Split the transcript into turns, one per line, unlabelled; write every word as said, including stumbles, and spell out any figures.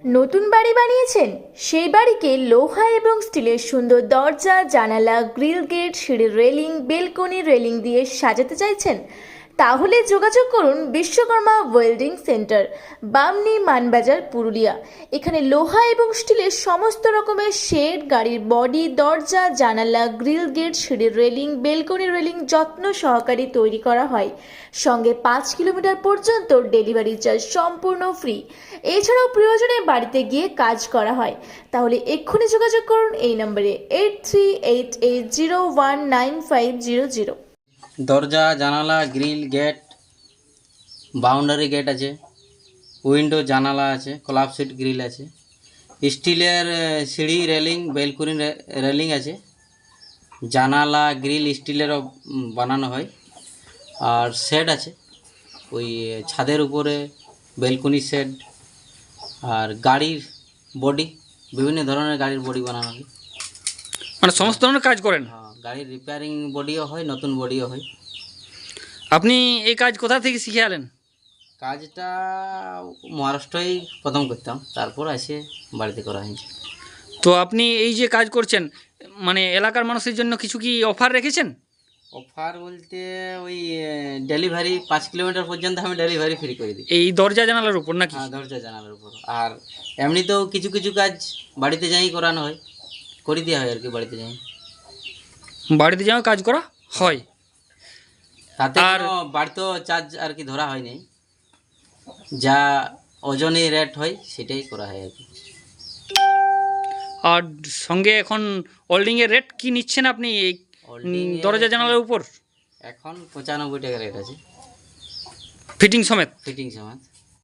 নতুন বাড়ি বানিয়েছেন? সেই বাড়িকে লোহা এবং স্টিলের সুন্দর দরজা, জানালা, গ্রিল গেট, সিঁড়ির রেলিং, বেলকনি রেলিং দিয়ে সাজাতে চাইছেন? তাহলে যোগাযোগ করুন বিশ্বকর্মা ওয়েল্ডিং সেন্টার, বামনি, মানবাজার, পুরুলিয়া। এখানে লোহা এবং স্টিলের সমস্ত রকমের শেড, গাড়ির বডি, দরজা, জানালা, গ্রিল গেট, সিঁড়ির রেলিং, বেলকনি রেলিং যত্ন সহকারে তৈরি করা হয়। সঙ্গে পাঁচ কিলোমিটার পর্যন্ত ডেলিভারি চার্জ সম্পূর্ণ ফ্রি। এছাড়াও প্রয়োজনে বাড়িতে গিয়ে কাজ করা হয়। তাহলে এক্ষুনি যোগাযোগ করুন এই নম্বরে eight three eight eight zero one nine five zero zero.
দরজা, জানালা, গ্রিল, গেট, বাউন্ডারি গেট আছে, উইন্ডো, জানালা আছে, ক্লাব সিট গ্রিল আছে, স্টিলের আহ, সিঁড়ি রেলিং, বেলকুনি রেলিং আছে, জানালা গ্রিল স্টিলেরও উম, বানানো হয়। আর শেড আছে, ওই আহ, ছাদের উপরে বেলকুনি শেড। আর গাড়ির বডি, বিভিন্ন ধরনের গাড়ির বডি বানানো হয়।
মানে সমস্ত ধরনের কাজ করেন
হ্যাঁ, গাড়ির রিপেয়ারিং বডিও হয়, নতুন বডিও হয়।
আপনি? এই কাজ কোথা থেকে শিখে আলেন?
কাজটা মহারাষ্ট্রেই প্রথম করতাম, তারপর এসে বাড়িতে করা হয়েছে।
তো আপনি এই যে কাজ করছেন, মানে এলাকার মানুষের জন্য কিছু কি অফার রেখেছেন?
অফার বলতে ওই ডেলিভারি পাঁচ কিলোমিটার পর্যন্ত আমি ডেলিভারি ফ্রি করে দিই।
এই দরজা জানালার উপর নাকি?
হ্যাঁ, দরজা জানালার উপর। আর এমনিতেও কিছু কিছু কাজ বাড়িতে যাই করানো হয়, করে দেওয়া হয় আর কি, বাড়িতে যাই।
বাড়িতে যাওয়া কাজ করা হয়।
তাতে
আর
কোনো বাড়িতেও চার্জ আর কি ধরা হয় নাই, যা ওজনে রেট হয় সেটাই করা হয় আর কি।
আর সঙ্গে এখন ওয়েল্ডিং এর রেট কি নিচ্ছেন আপনি এই
Holding
উম,
এ
দরজা
এখন-
জানালার উপর
এখন পঁচানব্বই টাকা রেট আছে,
ফিটিং সমেত?
ফিটিং সমেত।